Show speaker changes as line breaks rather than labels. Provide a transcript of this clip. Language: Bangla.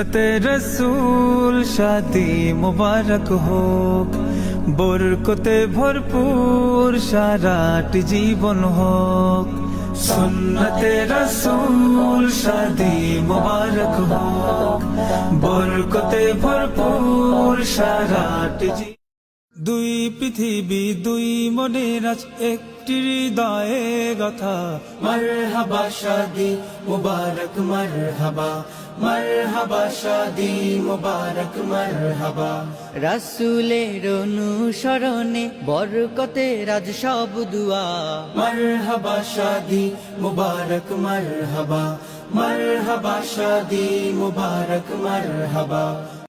সুন্নতে রসূল শাদি মুবারক হোক, বরকতে ভরপুর সারাটি জীবন হোক। সুন্নতে রসূল শাদি মুবারক হোক, বরকতে ভরপুর সারাটি জীবন। দুই পৃথিবী দুই মনের আজ একটি হৃদয়ে গাথা। মারহাবা শাদি মুবারক মারহাবা, মারহাবা শাদি মুবারক মারহাবা।
রাসূলের অনুসরণে বরকতে রাজ সব দুয়া।
মারহাবা শাদি মুবারক মারহাবা, মারহাবা শাদি মুবারক মারহাবা।